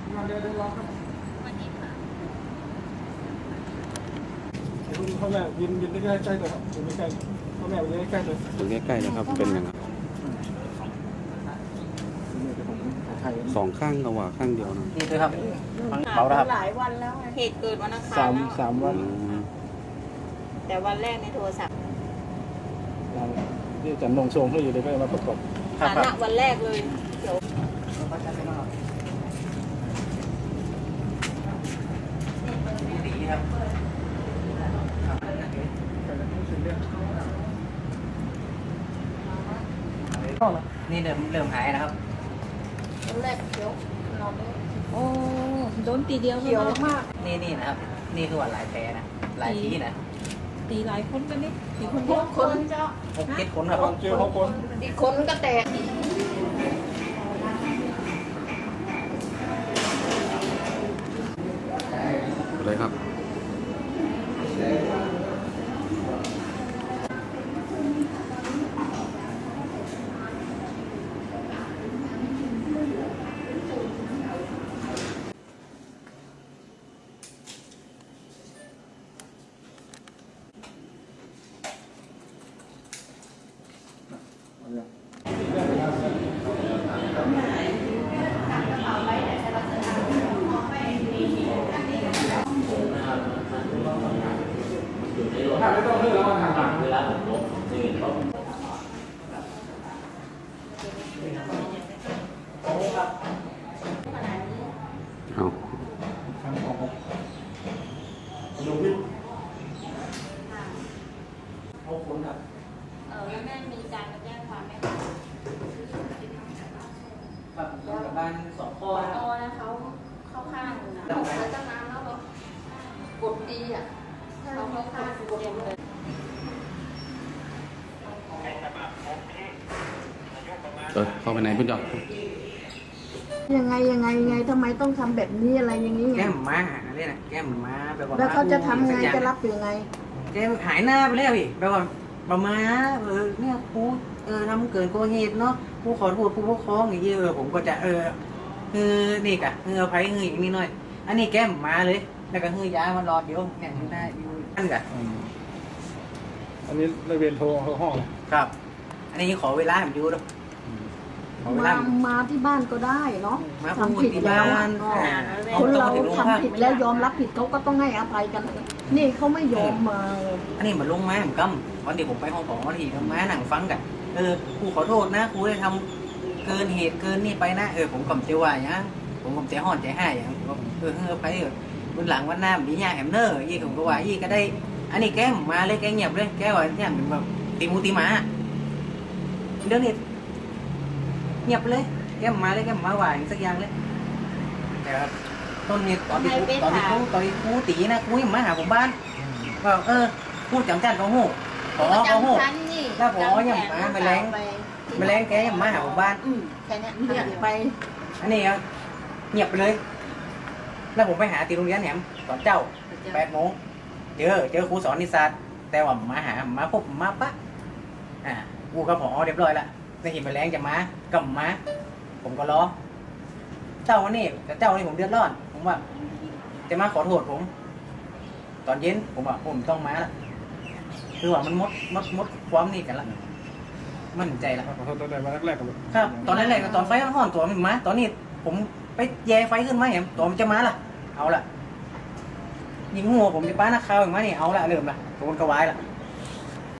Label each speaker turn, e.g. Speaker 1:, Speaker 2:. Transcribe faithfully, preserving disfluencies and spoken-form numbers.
Speaker 1: มาเดี๋ยวเดี๋ยวรอครับวันนี้ค่ะคุณพ่อแม่ยืนยืนใกล้ใกล้ๆเลยครับยืนใกล้ๆพ่อแม่ยืนใกล้ๆเลย
Speaker 2: ตรงนี้ใกล้นะครับเป็นยังไงสองข้างกว่าข้างเดียวนะ
Speaker 3: นี่ด้วยครับเขาครับ
Speaker 4: หลายวันแล้วเหตุเกิดวันอังคาร
Speaker 1: สามสามวัน
Speaker 4: แต่วันแรกในโทรศัพท์
Speaker 1: ที่จันนงทรงเขาอยู่ในใกล้มาประกอบ
Speaker 4: ฐานะวันแรกเลยเดี๋ยว
Speaker 3: นี่เริ่มเริ่มหายนะครับ
Speaker 4: วันแรกเขียวเราโอ้โดนตีเดียวเขียวมาก
Speaker 3: นี่นี่นะครับนี่คือว่าหลายแผลนะหลายที่นะ
Speaker 4: ตีหลายคนกันนี่ตีคนเดียวคนเจ้า
Speaker 3: หกเจ็ดคนครับ
Speaker 1: เจอหกคน
Speaker 4: อีกคนก็แตก
Speaker 2: เลยครับ
Speaker 1: ถ้าไม่ต้องเลือกแล้วมันหันเวลาผมลบนี่เขา
Speaker 2: เอา
Speaker 1: ดูวิทย์เอาคนครับ
Speaker 4: เออแล้วแม่มีการมาแจ้งความไหมคะ
Speaker 3: ครับกับบ้านสองข้อ
Speaker 4: อ๋อนะเขาเข้าข้างนะเขาตั้งนานแล้วแบบกดตีอ่ะเขาเข้าข้างกดเต็มเลย
Speaker 2: เออเข้าไปไหนพี่จอด
Speaker 5: ยังไงยังไงยังไงทำไมต้องทำแบบนี้อะไรอย่างนี้ไง
Speaker 3: แก้มม้าอะไรนะแก้มม้าแบบว่า
Speaker 5: แล้วเขาจะทำไงจะรับยังไง
Speaker 3: แก้มหายหน้าไปแล้วพี่แบบว่าประมาเออเนี่ยครูเออทำเกินกว่าเหตุเนาะครูขอโทษครูปกครองอย่างเงี้ยเออผมก็จะเออเออนี่กะเออไผ่เงยอย่างนี้หน่อยอันนี้แก้มม้าเลยแล้วก็เงยยามันรอเดี๋ยวเนี่ยอยู่ได้อยู่อันกะ
Speaker 1: อันนี้ระเบียนโทรเขาห้อง
Speaker 3: ครับอันนี้ขอเวลาผมดูด้วย
Speaker 5: มามาที่บ้านก็ได้เนาะ
Speaker 3: ทำผิดแล้ว
Speaker 5: คนเราทำผิดแล้วยอมรับผิดเขาก็ต้องให้อภัยกันนี่เขาไม่ยอมมา
Speaker 3: อันนี้เหมือนลงไม้ผมกำวันเดียวผมไปห้องของวันที่ทำไม้หนังฟังกันเออครูขอโทษนะครูได้ทำเกินเหตุเกินนี่ไปนะเออผมกำเจียวว่าอย่างผมกำเจียวห่อนใจให้อย่างเออเออไปเออวันหลังวันหน้าดีเนี่ยแฮมเนอร์ยี่ผมก็ว่ายี่ก็ได้อันนี้แกมาเลยแกเงียบเลยแกว่าเนี่ยเป็นแบบตีมูตีหมาเรื่องนี้เงียบเลยแกมาเลยแกมาว่าอย่างสักอย่างเลยแต่ต้นนี้ตอนที่ตอนที่ครูตอนที่ครูตีนะครูยังมาหาผมบ้านว่าเออพูดจังจันเขาหูขอเขาหูแล้วผมยังมาไปแรงไปแรงแกยังมาหาผมบ้าน
Speaker 4: แค่นี้เงียบไป
Speaker 3: อันนี้เงียบไปเลยแล้วผมไปหาตีโรงเรียนแหนมตอนเจ้าแปดโมงเจอเจอครูสอนนิสสัตแต่ว่ามาหามาพบมาปะอ่าครูก็พอเรียบร้อยละในหินไปแรงจะมากับมาผมก็รอเจ้าวันนี้แต่เจ้านี่ผมเดือดร้อนผมว่าจะมาขอโทษผมตอนเย็นผมว่าผมต้องมาละคือว่ามันมดมดมดความนี่กันละมั่นใจละ
Speaker 1: ขอโทษตอนแรกมาแรกๆกัน
Speaker 3: ครับตอนแรกๆตอนไฟห่อนตัวมันมาตอนนี้ผมไปแย่ไฟขึ้นมาเห็นตัวมันจะมาละเอาละยิงหัวผมจะป้านักข่าวอย่างมานี่เอาละเริ่มละโดนกระวายละ